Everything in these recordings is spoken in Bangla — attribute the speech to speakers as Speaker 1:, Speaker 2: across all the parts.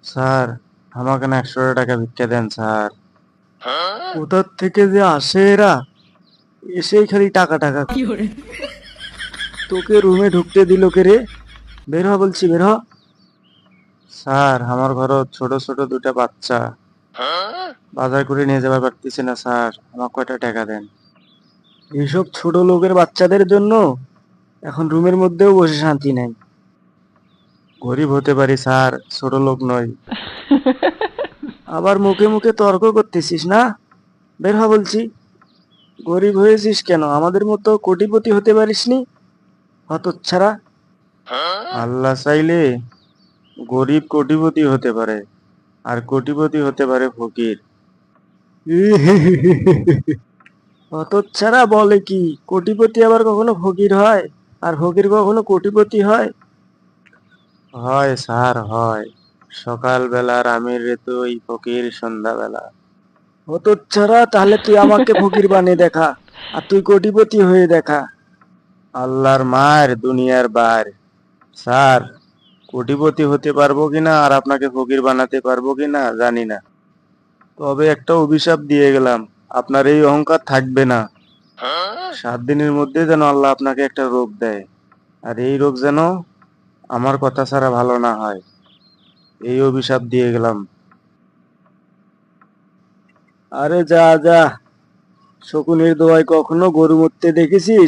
Speaker 1: স্যার, আমাকে না 100 টাকা ভিক্ষা দেন স্যার। কোথার থেকে যে আসে এরা, এসেই খালি টাকা টাকা। তোকে রুমে ঢুকতে দিল কে রে? বের হ বলছি, বের হ। স্যার, আমার ঘরে ছোট ছোট দুটা বাচ্চা, বাজার করে নিয়ে যাবার পারতেছি না স্যার, আমার কয়টা টাকা দেন। এসব ছোট লোকের বাচ্চাদের জন্য এখন রুমের মধ্যেও বসে শান্তি নাই। গরিব হতে পারি স্যার, ছোট লোক নই। আবার মুখে মুখে তর্ক করতেছিস না? বের হ বলছি। গরিব হয়েছিস কেন? আমাদের মতো কোটিপতি হতে পারিসনি? হতচ্ছাড়া। আল্লাহ চাইলে গরিব কোটিপতি হতে পারে, আর কোটিপতি হতে পারে ফকির। হতচ্ছাড়া বলে কি? কোটিপতি আবার কখনো ফকির হয়, আর ফকির কখনো কোটিপতি হয়? হয় স্যার, হয়। সকালবেলার আমির রে তুই ফকির সন্ধ্যাবেলা। হতচ্ছাড়া, তাহলে তুই আমাকে ফকির বানিয়ে দেখা, আর তুই কোটিপতি হয়ে দেখা। আল্লাহর মার দুনিয়ার বার। স্যার, কোটিপতি হতে পারবো কিনা আর আপনাকে ফকির বানাতে পারবো কিনা জানি না, তবে একটা অভিশাপ দিয়ে গেলাম, আপনার এই অহংকার থাকবে না। 7 দিনের মধ্যে যেন আল্লাহ আপনাকে একটা রোগ দেয়, আর এই রোগ যেন আমার কথা ছাড়া ভালো না হয়, এই অভিশাপ দিয়ে গেলাম। আরে যা যা, শকুনের দোয়ায় কখনো গরু মরতে দেখেছিস?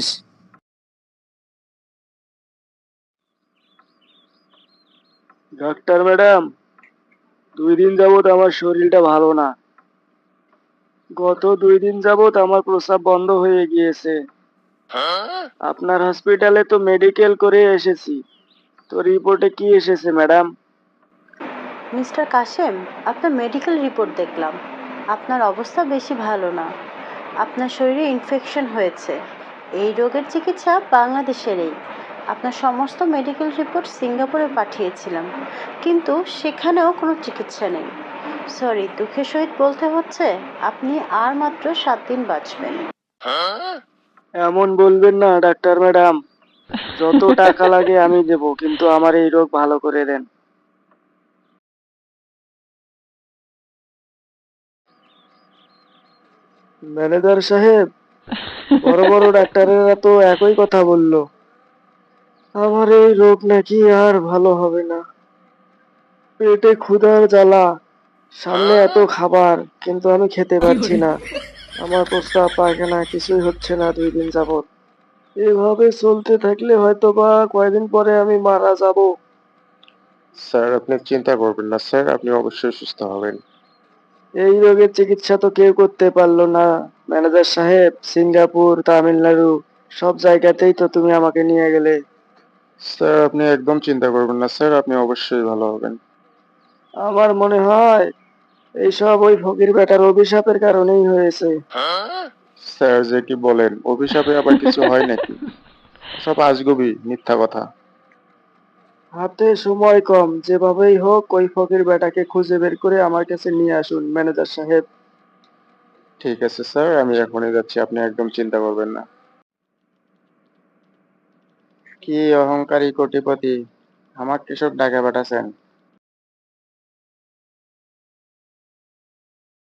Speaker 1: ডাক্তার ম্যাডাম, 2 দিন যাবত আমার শরীরটা ভালো না। গত 2 দিন যাবত আমার প্রস্রাব বন্ধ হয়ে গিয়েছে। আপনার হসপিটালে তো মেডিকেল করে এসেছি, তো রিপোর্টে কি এসেছে ম্যাডাম?
Speaker 2: মিস্টার কাশেম, আপনার মেডিকেল রিপোর্ট দেখলাম। আপনার অবস্থা বেশি ভালো না। আপনার শরীরে ইনফেকশন হয়েছে। এই রোগের চিকিৎসা বাংলাদেশেরই। আপনার সমস্ত মেডিকেল রিপোর্ট সিঙ্গাপুরে পাঠিয়েছিলাম, কিন্তু সেখানেও কোনো চিকিৎসা নেই। সরি, দুঃখের সহিত বলতে হচ্ছে আপনি আর মাত্র 7 দিন বাঁচবেন।
Speaker 1: এমন বলবেন না ডাক্তার ম্যাডাম, যত টাকা লাগে আমি দেব, কিন্তু আমার এই রোগ ভালো করে দেন। ম্যানেজার সাহেব, বড় বড় ডাক্তারেরা তো একই কথা বললো, আমার এই রোগ নাকি আর ভালো হবে না। পেটে ক্ষুধার জ্বালা, সামনে এত খাবার, কিন্তু আমি খেতে পারছি না। আমার প্রস্রাব পায়খানা কিছুই হচ্ছে না 2 দিন যাবত। এভাবে চলতে থাকলে হয়তো বা কয়দিন পরে আমি মারা যাব।
Speaker 3: স্যার, আপনি চিন্তা করবেন না স্যার, আপনি অবশ্যই সুস্থ হবেন।
Speaker 1: এই রোগের চিকিৎসা তো কেউ করতে পারলো না ম্যানেজার সাহেব। সিঙ্গাপুর, তামিলনাড়ু, সব জায়গাতেই তো তুমি আমাকে নিয়ে গেলে।
Speaker 3: স্যার, আপনি একদম চিন্তা করবেন না স্যার, আপনি অবশ্যই ভালো হবেন।
Speaker 1: আমার মনে হয় এইসব ওই ফকির বেটার অভিশাপের কারণেই হয়েছে।
Speaker 3: স্যার, যে কি বলেন, অভিশাপে আবার কিছু হয় নাকি? সব আজগুবি মিথ্যা কথা।
Speaker 1: হাতে সময় কম, যেভাবেই হোক ওই ফকির বেটাকে খুঁজে বের করে আমার কাছে নিয়ে আসুন ম্যানেজার সাহেব।
Speaker 3: ঠিক আছে স্যার, আমি এখনই যাচ্ছি, আপনি একদম চিন্তা করবেন না। কি অহংকারী কোটিপতি, আমাকে সব টাকা পাঠাচ্ছেন?